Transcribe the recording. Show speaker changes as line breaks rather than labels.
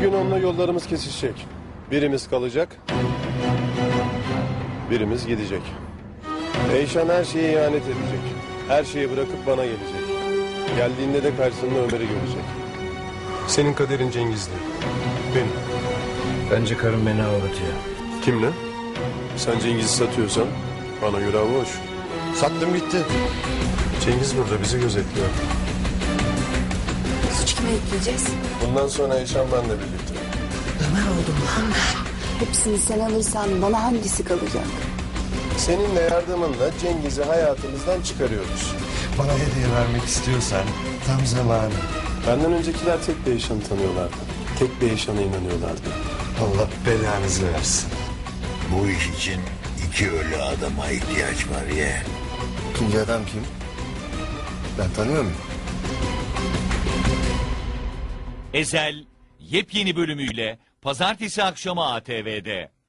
gün onunla yollarımız kesişecek. Birimiz kalacak, birimiz gidecek. Eyşan her şeye ihanet edecek. Her şeyi bırakıp bana gelecek. Geldiğinde de karşısında Ömer'i görecek. Senin kaderin Cengiz'le. Benim.
Bence karım beni aldatıyor.
Kimle? Sen Cengiz'i satıyorsan bana göre hava hoş.
Sattım gitti.
Cengiz burada bizi gözetliyor.
Suç kime yükleyeceğiz?
Bundan sonra Eyşan benle birlikte.
Ömer oldum lan ben. Hepsini sen alırsan bana hangisi kalacak?
Seninle yardımınla Cengiz'i hayatımızdan çıkarıyoruz.
Bana hediye vermek istiyorsan tam zamanı.
Benden öncekiler tek bir Eyşan'ı tanıyorlardı. Tek bir Eyşan'a inanıyorlardı.
Allah belanızı versin.
Bu iş için iki ölü adama ihtiyaç var ya.
İkinci adam kim? Ben tanıyor muyum?
Ezel yepyeni bölümüyle pazartesi akşamı ATV'de.